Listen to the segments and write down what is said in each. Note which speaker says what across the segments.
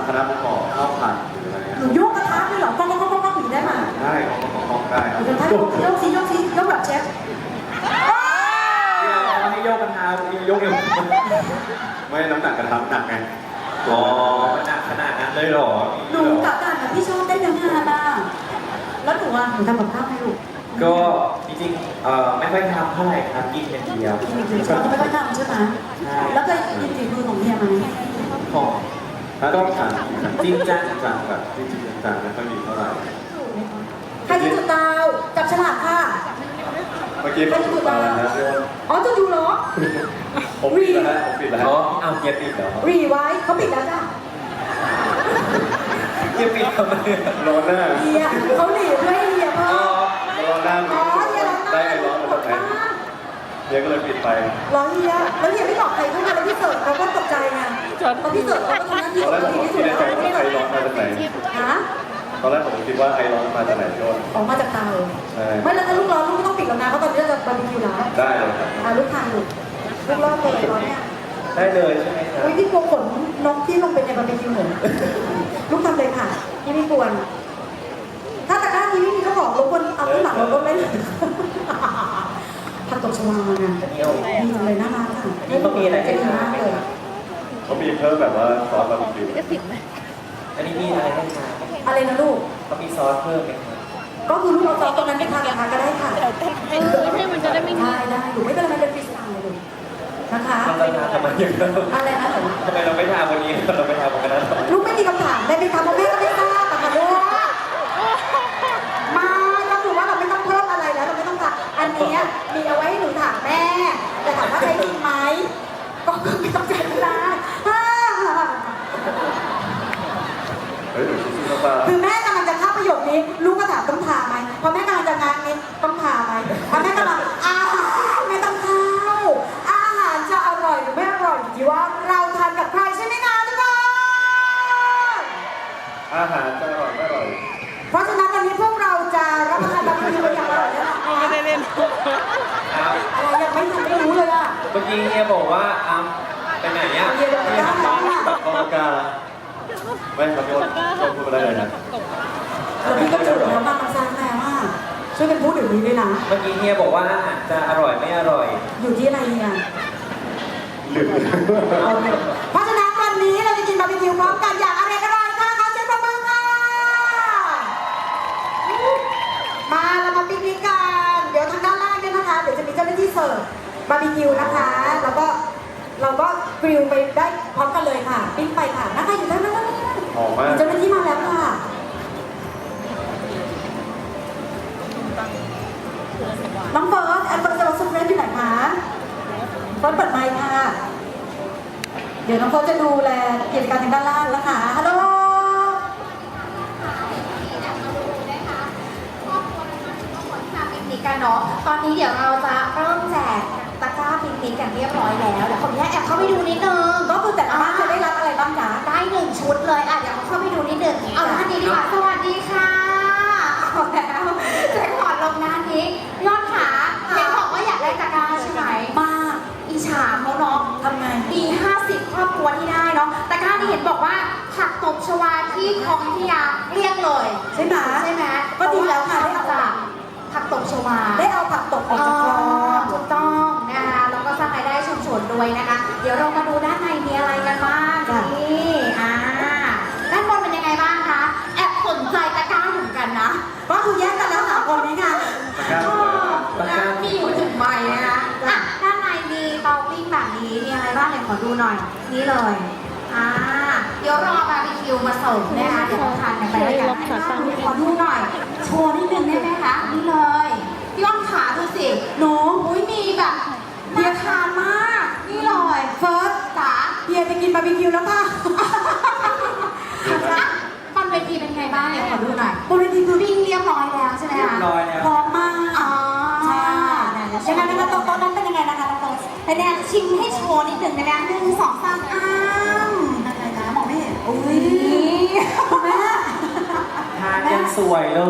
Speaker 1: คณะประกอบข้าวผัดหรืออะไร
Speaker 2: หนูโยกกระทะด้วยเหรอก้องหนีได้ไหม
Speaker 1: ได้ของได้ครับ
Speaker 2: กระทะโยกซียกแบบเชฟ
Speaker 1: เราให้โยกกระทะโยกเอวไม่น้ำหนักกระทะหนักไงอ๋อหนักขนาดนั้นเลยหรอ
Speaker 2: หนูกับการพี่ชอบเต้นยังไงบ้างแล้วหนูทำกับข้าวให้ลูก
Speaker 3: ก็จริงๆไม่ค่อยทำเท่าไหร่ครับกินเป็นเดียว
Speaker 2: กินอีกทีเราไม่ค่อยทำใช่ไหมแล้วเคยกินฝีมือของเฮียไหม
Speaker 3: ของ
Speaker 1: ถ้าต้องถาม
Speaker 3: จริงจัง
Speaker 1: จังแบบจริงจังไม่ค่อยมีเท่าไหร่
Speaker 2: ใครที่จุดดาวจับฉลากค่ะ
Speaker 1: เมื่อกี้เขาจุดมาแล้วนะ
Speaker 2: อ๋อจะดูเหรอ
Speaker 1: ผมปิดแล้วผมปิดแล้ว
Speaker 3: อ๋อเอาเกียร์ปิดเหรอ
Speaker 2: รีไว้เขาปิดแล้วจ้ะ
Speaker 3: เกียร์ปิดทำไม
Speaker 1: ร้อนหน้า
Speaker 2: เฮียเขาหลีบด้วยเฮียเพิ่ม
Speaker 1: ร้อนหน้า
Speaker 2: อ๋อเฮียร้อง
Speaker 1: ได้
Speaker 2: ไห้
Speaker 1: ไอ้ร้อนมาจากไหนเดี๋ยวก็เลยปิดไป
Speaker 2: ร้องเฮียแล้วเฮียไม่บอกใครด้วยนะแล้วพี่เสิร์ฟเขาก็ตกใจไงตอนพี่เสิร์ฟเขาก็ทำหน้าที่
Speaker 1: ตอนแรกผม
Speaker 2: ดี
Speaker 1: ก็
Speaker 2: ที่สุ
Speaker 1: คิ
Speaker 2: ด
Speaker 1: ดใน
Speaker 2: แล้ว
Speaker 1: ใจว่าไอร้อนมาจากไหน
Speaker 2: ฮะ
Speaker 1: ตอนแรกผมคิดว่าไอร้อนมาจากไหนโยน
Speaker 2: ออกมาจากเตา
Speaker 1: ใช่
Speaker 2: ไม่แล้วถ้าลูกร้อนลูกไม่ต้องปิดแล้วนะเพราะตอนนี้เราจะบาร์บีคิวแล้ว
Speaker 1: ได้เลยครับ
Speaker 2: ลูกทานลูกรอดเลยร้อนเนี่ย
Speaker 3: ได้เลยใช่ไหมครับ
Speaker 2: อุ้ยพี่กลัวขนนกที่ลงไปในบาร์บีคิวเหรอลูกทำเลยค่ะพี่ไม่กวนถ้าตะกร้านี้ไม่มีเจ้าของรบกวนเอาขึ้นหลังรถเลยผักตบชวาไง
Speaker 3: อันนี้เอา
Speaker 2: ดีจังเลยน่ารักค่ะ
Speaker 3: นี่เขามีอะไรให้
Speaker 2: ดี
Speaker 3: ทาน
Speaker 2: มาก
Speaker 3: ไหม
Speaker 2: เลย
Speaker 3: ครับ
Speaker 1: เขามีเพิ่มแบบว่าซอสบาร์บีคิว
Speaker 3: อันนี้มีอะไรให้ทาน
Speaker 2: อะไรนะลูก
Speaker 3: เขามีซอสเพิ่มไหมครับ
Speaker 2: ก็คือลูกเอาซอสตรงนั้นไปทานกับทานก็ได้ค่ะ
Speaker 4: ให้มันจะได้ไม่
Speaker 2: ได้หนูไม่เป็นไรมันเป็นฟรีสไตล์เลยนะคะ
Speaker 3: มันจะทานทำไมอย่างนั้น
Speaker 2: อะไรนะหนู
Speaker 3: ทำไมเราไม่ทานวันนี้เราไม่ทานวันนั้น
Speaker 2: ลูกไม่มีคำถามได้ไหมคะเพราะแม่ก็ไม่ทราบอะค่ะลูกมาก็คือว่าเราไม่ต้องเพิ่มอะไรแล้วเราไม่ต้องถามอันเนี้ยมีเอาไว้ให้หนูถามแม่แต่ถามว่าใช้จริงไหมก็ไม่ต้องใช้เวลา
Speaker 1: เฮ้ยหนูชิมๆเข้ามา
Speaker 2: คือแม่กำลังจะเข้าประโยคนี้ลูกก็ถามต้องทาไหมพอแม่กำลังจะงานนี้ต้องทาไหมพอแม่กำลังอาหารไม่ต้องเข้าอาหารจะอร่อยหรือไม่อร่อยอยู่ที่ว่าเราทานกับใครใช่ไหมคะทุกคน
Speaker 1: อาหารจะอร่อยไม่อร่อย
Speaker 2: เพราะฉะนั้นวันนี้พวกเราจะรับประทานบาร์บีคิวกันอย่างอร่อยแน่นอน
Speaker 4: ไม่ได้เล่น
Speaker 3: ครับ
Speaker 2: อะไรยังไม่รู้เลยอะ
Speaker 3: เมื่อกี้เฮียบอกว่าไปไหนอ่ะ
Speaker 2: เรียนแบบด้านนั้นอะ
Speaker 1: ตับกอกาไม่ครับโยนพูดมาได้เลยนะ
Speaker 2: แล้วพี่ก็จุดแล้วมามันซางแล้วว่าช่วยกันพูดเดี๋ยวนี้ด้วยนะ
Speaker 3: เมื่อกี้เฮียบอกว่าอาหารจะอร่อยไม่อร่อย
Speaker 2: อยู่ที่อะไรเนี่ย
Speaker 1: ลืม
Speaker 2: เพราะฉะนั้นวันนี้เราจะกินบาร์บีคิวพร้อมกันอย่างอร่อยค่ะขอเสียงปรบมือค่ะมาเรามาปิกนิกกันเดี๋ยวทางด้านล่างเนี่ยนะคะเดี๋ยวจะมีเจ้าหน้าที่เสิร์ฟบาร์บีคิวนะคะแล้วก็เราก็กริลไปได้พร้อมกันเลยค่ะปิ้งไปค่ะนะคะอยู่ด้านล่าง
Speaker 1: หอมมาก
Speaker 2: เจ้าหน้าที่มาแล้วค่ะน้องเฟิร์สแอนเฟิร์สจะมาซุปเรสอยู่ไหนคะเฟิร์สเปิดไมค์ค่ะ เดี๋ยวน้องเฟิร์สจะดูแลกิจการทางด้านล่างแล้วค่ะฮัลโหล
Speaker 5: ปิกนิกกันเนาะ ตอนนี้เดี๋ยวเราจะเริ่มแจกตะกร้าปิกนิกกันเรียบร้อยแล้วเดี๋ยวขออนุญาตแอบเข้าไปดูนิดนึง
Speaker 2: ก็คือแต่ละบ้านจะได้รับอะไรบ้างจ๊ะ
Speaker 5: ได้1 ชุดเลยอ่ะเดี๋ยวเข้าไปดูนิดนึงเอาท่านนี้ดีกว่าสวัสดีค่ะเอาแล้วแจ็คพอตลงหน้านี้ยอดขาเห็นบอกว่าอยากได้ตะกร้าใช่ไหม
Speaker 2: มาก
Speaker 5: อิจฉาเขาเนาะ
Speaker 2: ทำไง
Speaker 5: มี50 ครอบครัวที่ได้เนาะตะกร้านี่เห็นบอกว่าผักตบชวาที่คลองวิทยาเรียกเลย
Speaker 2: ใช่ไหม
Speaker 5: ใช่ไหม
Speaker 2: ก็ดีแล้วค่ะ
Speaker 5: ได้มาจากผักตบชวา
Speaker 2: ได้เอาผักตกออกจากคลอง
Speaker 5: ถูกต้องนะคะแล้วก็สร้างรายได้ชุมชนด้วยนะคะ เดี๋ยวเรามาดูด้านในมีอะไรกันบ้างนี่ด้านบนเป็นยังไงบ้างคะแอบสนใจตะกร้าเหมือนกันนะ
Speaker 2: ก็คือแยกกันแล้วสามคนนี้ค่ะ
Speaker 5: มีอยู่ถึงใบนะคะอ่ะด้านในมีเตาปิ้งแบบนี้มีอะไรบ้างเนี่ยขอดูหน่อยนี่เลยเดี๋ยวรอบาร์บีคิวมาส่งนะคะเดี๋ยวเราทานกันไปด้วยกันขอดูหน่อย โชว์นิดนึงได้ไหมคะนี่เลยพี่อ้อมขาดูสิ
Speaker 2: หนู
Speaker 5: อุ้ยมีแบบน่าทานมาก นี่เลย
Speaker 2: เฟิร์ส
Speaker 5: จ๋า
Speaker 2: เฮียจะกินบาร์บีคิวแล้วค่ะ
Speaker 5: อ่ะบนเวทีเป็นไงบ้างเนี่ยขอดูหน่อย
Speaker 2: บนเวทีคือ
Speaker 5: วิ่งเรียบร้อยแล้วใช่ไหม
Speaker 3: เรีย
Speaker 5: คะ
Speaker 3: บร้อยแล้ว
Speaker 2: พร้อมมาก
Speaker 5: อ๋อ
Speaker 2: ใช่ยังไงนะคะโต๊ะนั้นเป็นยังไงนะคะน้องเฟิร์ส
Speaker 5: เป็นแนวชิมให้โชว์นิดหนึ่งนะ1 2 3
Speaker 2: อะไรนะมองไม่เห็นอุ้ย
Speaker 5: นี่
Speaker 2: คุณแม่
Speaker 3: ทานยังสวยเลย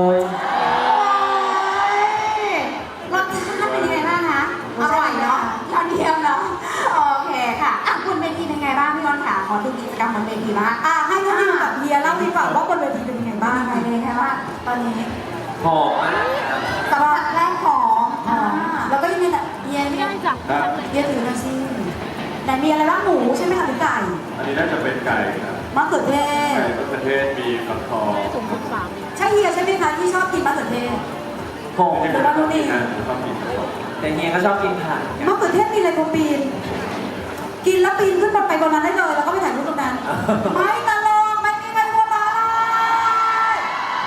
Speaker 5: รสชาติเป็นยังไงบ้างคะอร่อยเนาะยอดเยี่ยมเนาะโอเคค่ะอ่ะบนเวทีเป็นไงบ้างพี่อ้อนค่ะขอดูกิจกรรมบนเวทีบ้าง
Speaker 2: ให้ามเฮียเล่าดีกว่าว่าบนเวทีเป็นยังไงบ้าง
Speaker 5: ยังไงเลยคะว่าตอนนี้
Speaker 3: หอมมากครับ
Speaker 5: สำหรับแรกของอ่า
Speaker 2: แล้วก็ยังมีเฮีย
Speaker 4: ไม่ได้จ้ะ
Speaker 1: ครับ
Speaker 2: เฮียถือมาสิไหนมีอะไรบ้างหมูใช่ไหมคะหรือไก่
Speaker 1: อันนี้น่าจะเป็นไก่ครับ
Speaker 2: มะเขือเท
Speaker 1: ไก่
Speaker 2: ศ
Speaker 1: มะเขือเทศมีฟักทอง
Speaker 4: สูง13เอง
Speaker 2: ใช่เฮียใช่ไหมคะที่ชอบกินมะเขือเทศ
Speaker 3: หอม
Speaker 1: ที่ผมชอบกินนะผมชอบกินฟักทอง
Speaker 3: แต่เฮียก็ชอบกินผัก
Speaker 2: มะเขือเทศมีอะไรโปรปีน กินแล้วปีนขึ้นไปบนนั้นได้เลยแล้วก็ไปถ่ายรูปตรงนั้น ไม่ตลกไม่มีใครหัวเราะเลย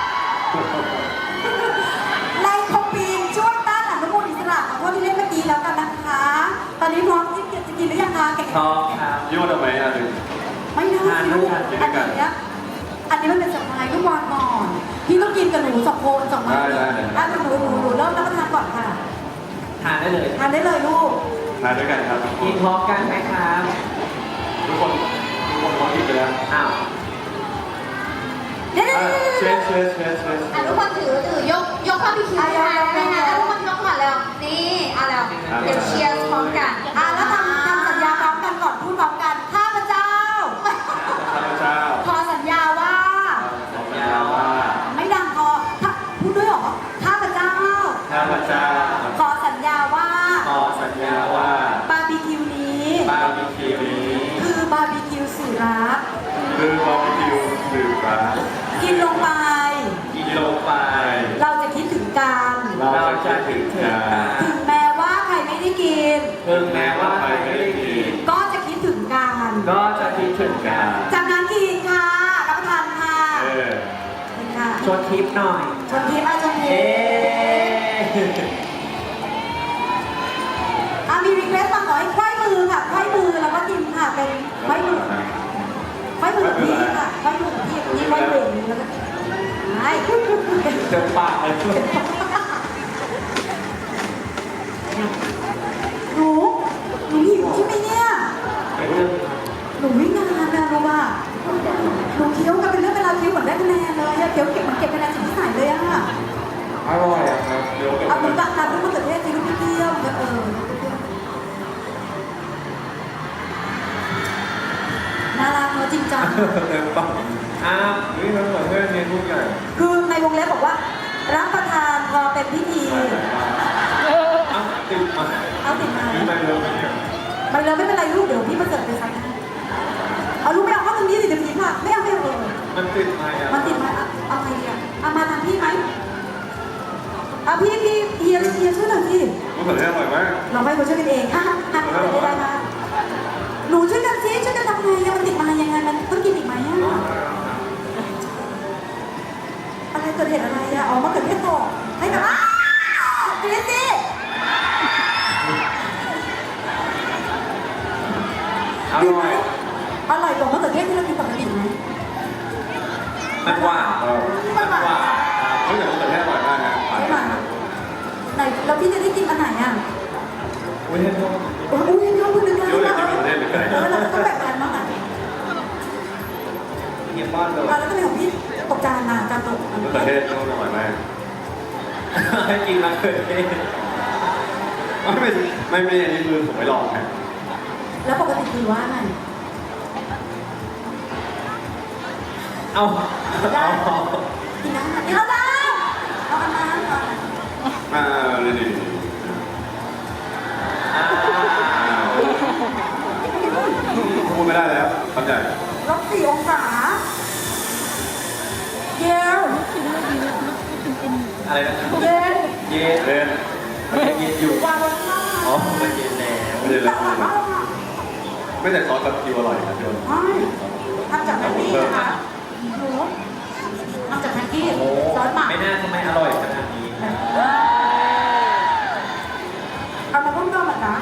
Speaker 2: ไลโคปีนช่วยต้านอนุมูลอิสระขอโทษที่เล่นเมื่อกี้แล้วกันนะคะ ตอนนี้พร้อมที่จะกินหรือยังคะแกะ
Speaker 3: ชอบครับ
Speaker 1: ยั่วทำไมอ่ะถึง
Speaker 2: ไม่ได้สิลูก
Speaker 1: ทานด้วยกัน
Speaker 2: อันนี้มันเป็นสไพรส์ลูกวางก่อน พี่ต้องกินกับหนูสองคนสองคน
Speaker 1: ได้
Speaker 2: หนูเริ่มรับประทานก่อนค่ะ
Speaker 3: ทานได้เลย
Speaker 2: ทานได้เลยลูก
Speaker 1: ทานด้วยกันครับทุกค
Speaker 3: กิ
Speaker 1: น
Speaker 3: นพร้อมกันไหมครับ
Speaker 1: ทุกคนพร้อมกินไปแล้ว
Speaker 3: อ้าว
Speaker 2: เดี๋ยว
Speaker 1: เชสเชสเชสเชส
Speaker 5: อ่ะทุกคนถือยกเข้าพี่คิวให้ได้ไหมคะทุกคนยกก่อนเร็วนี่เอาแล้วเดี๋ยวเชียร์พร้อมกัน
Speaker 2: แล้วทำสัญญาพร้อมกันก่อนพูดพร้อมกันข้าพเจ้า
Speaker 1: ข้าพเจ้า
Speaker 2: ขอสัญญาว่า
Speaker 1: สัญญาว่า
Speaker 2: ไม่ดังพอพูดด้วยเหรอข้าพเจ้า
Speaker 1: ข้าพเจ้า
Speaker 2: ขอสัญญาว่า
Speaker 1: ขอสัญญาว่า
Speaker 2: บาร์บีคิวนี้
Speaker 1: บาร์บีคิวนี้
Speaker 2: คือบาร์บีคิวสื่อรัก
Speaker 1: คือบาร์บีคิวสื่อรัก
Speaker 2: กินลงไป
Speaker 1: กินลงไป
Speaker 2: เราจะคิดถึงกัน
Speaker 1: เราจะถึงกัน
Speaker 2: ถึงแม้ว่าใครไม่ได้กิน
Speaker 3: ถึงแม้ว่าใครไม่ได้กิน
Speaker 2: ก็จะคิดถึงกัน
Speaker 3: ก็จะคิดถึงกัน
Speaker 2: จากนั้นกินค่ะรับประทานค่ะ
Speaker 1: เออ
Speaker 2: กินค่ะ
Speaker 3: ชวนทิปหน่อย
Speaker 2: ชนทีมาชนที
Speaker 3: เอ๊ะ
Speaker 2: มีรีเควสต์มาขอให้ไขว้มือค่ะไขว้มือแล้วก็กินค่ะเป็นไขว้มือไขว้มือกับพี่ค่ะไขว้มือกับพี่ไขว้เบรกแล้วก็ไม่
Speaker 3: เต็มปากเลย
Speaker 2: หนูหิวใช่ไหมเนี่ย หนูวิ่งงานนะรู้ป่ะหนูเคี้ยวกันเป็นเรื่องเป็นราวเคี้ยวเหมือนได้คะแนนเลยอะเคี้ยวเก็บเหมือนเก็บคะแนนสิ่งที่ใส่เลยอะ
Speaker 1: อร่อยอะครับเดี๋ยวกับ
Speaker 2: เอาเหมือนตัดตัดด้วยมะเขือเทศสิลูกเคี้ยวมันก็น่ารักเนอะจริงจัง
Speaker 1: เต็มปาก
Speaker 3: อ้าว
Speaker 1: นี่มันเหมือนเพื่อนเรียนรู้กัน
Speaker 2: คือในวงเล็บบอกว่ารับประทานพอเป็นพิธี
Speaker 3: อ้าวติดมา
Speaker 2: เอาติดมา
Speaker 1: นี่ไม่เลิกเนี่ย
Speaker 2: ไปเลยไม่เป็นไรลูกเดี๋ยวพี่มาเสิร์ฟไปซักให้เอาลูกไม่เอาเข้าตรงนี้สิเดี๋ยวพี่ค่ะไม่เอาเลย
Speaker 3: มันติดมาอ่ะ
Speaker 2: มันติดมาเอาใครดีอะเอามาทางพี่ไหมเอาพี่เฮียช่วยหน่อยสิ
Speaker 1: มะเขือเทศอร่อยมาก
Speaker 2: เราให้เขาช่วยกันเองอ่ะทำกันได้ไหมหนูช่วยกันสิช่วยกันทำไงอะมันติดมายังไงมันต้องกินอีกไหมอะอะไรเกิดเหตุอะไรอะอ๋อมะเขือเทศตกให้กับกินสิ
Speaker 3: อร่อย
Speaker 2: อร่อยกว่ามะเขือเทศที่เรากินปกติไหม
Speaker 3: มันหวาน
Speaker 2: มันหวาน
Speaker 1: เฮ้ยแต่มะเขือเทศอร่อยมากนะ
Speaker 2: ใช่ไหมไหนแล้วพี่จะได้กินอันไหนอะ
Speaker 3: อุ้ยเห็นไหม
Speaker 2: อุ้ยน้องคุณนึกได้
Speaker 1: เดี๋ยวเลยกินมะเขือเทศหรือไง
Speaker 2: เราต้องแบ่งกันบ้างอะ
Speaker 3: เฮียป้อนเลย
Speaker 2: แล้วก็เป็นของพี่ตกจานมาจานตก
Speaker 1: มะเขือเทศอร่อยมาก
Speaker 3: ให้กินมาเกิดเอง
Speaker 1: ไม่อันนี้คือผมไม่ลองนะ
Speaker 2: แล้วปกติคือว่าไง
Speaker 3: เอา
Speaker 2: ได้กินน้ำกินแล้วได้เอาอันนั้นเอาอันนั้น
Speaker 1: ดี
Speaker 3: อ่า
Speaker 1: พูดไม่ได้แล้วคำใหญ่
Speaker 2: ลบ4 องศาเย็น
Speaker 3: อะไรนะ
Speaker 2: เย็น
Speaker 3: เย็น
Speaker 1: เล่น
Speaker 3: มันเย็นอยู่
Speaker 2: วางบนข้าง
Speaker 3: อ๋อมันเย็นแล้ว
Speaker 1: ไม่ได้
Speaker 2: แล้
Speaker 1: แล้ว วไม่แต่ซอสกับคิวอร่อยนะพี่
Speaker 2: ไม่ทำจากแม็กกี้นะคะหนูทำจากแม็กกี้
Speaker 3: โอ้
Speaker 2: ซอสหมัก
Speaker 3: ไม่น่าทำไมอร่อยขนาดนี้
Speaker 2: เอามาเพิ่มเติมอ่ะนะ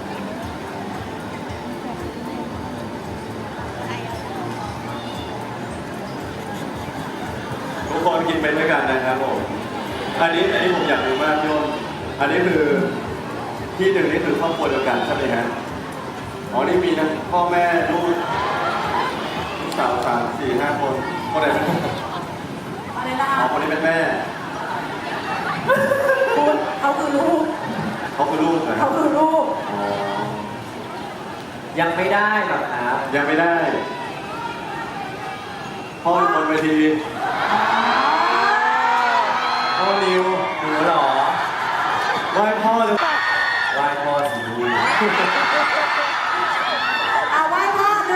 Speaker 1: ทุกคนกินไปด้วยกันนะครับผมอันนี้ผมอยากรู้มากพี่อ้นอันนี้คือที่หนึ่งนี่คือครอบครัวเดียวกันใช่ไหมฮะอ๋อนี่มีทั้งพ่อแม่ลูกสาว3 4 5 คนคนไหนเป็น
Speaker 2: อะไรนะ
Speaker 1: อ๋อ
Speaker 2: คะ
Speaker 1: คนนี้เป็นแม่
Speaker 2: คุณเขาคือลูก
Speaker 1: เขาคือลูกนะครั
Speaker 2: เขา
Speaker 1: บ
Speaker 2: คือลูก
Speaker 1: อ๋อ
Speaker 3: ยังไม่ได้หรอกครับ
Speaker 1: ยังไม่ได้ พ่อนเวทีพ่อนิว
Speaker 3: หนูเหรอ
Speaker 1: ไหว้พ่อเลย
Speaker 3: ไหว้พ่อสีดู
Speaker 2: เอาไหว้พ่อ1 2 3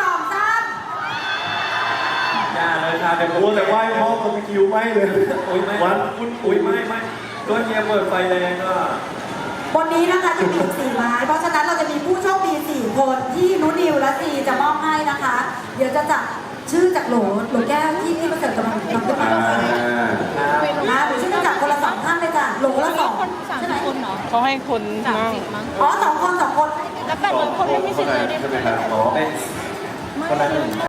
Speaker 3: ย่าเลยค่ะเป็น
Speaker 1: โอ้แต่ไหว้พ่อก็ไปคิวไม่เลย
Speaker 3: โอ้ยไม่
Speaker 1: วัน
Speaker 3: อุ้ยไม่ก็เฮียเปิดไฟแรงก็
Speaker 2: วันนี้นะคะจะมีอีก4ไม้เพราะฉะนั้นเราจะมีผู้โชคดี4คนที่นุนิวและซีจะมอบให้นะคะ เดี๋ยวจะจับชื่อจากโหลแก้วที่พี่ประเสริฐกำลังทำขึ้นมา
Speaker 1: อ่า
Speaker 2: นะหรือชื่อจะจับคนละ2ท่านเลยจ้ะโหลละ2
Speaker 4: คนสาม
Speaker 2: ใช่ไหม
Speaker 4: คนเนาะ
Speaker 6: เขาให้คน
Speaker 4: สาม
Speaker 6: นั่ง
Speaker 4: สิบมั้ง
Speaker 2: อ๋อ2 คน 2 คน
Speaker 4: แล้ว800 คนไม่มีสิทธิ์เลยได้
Speaker 1: ใช่ไหมครับอ๋อ
Speaker 3: เป็นคนละหนึ่ง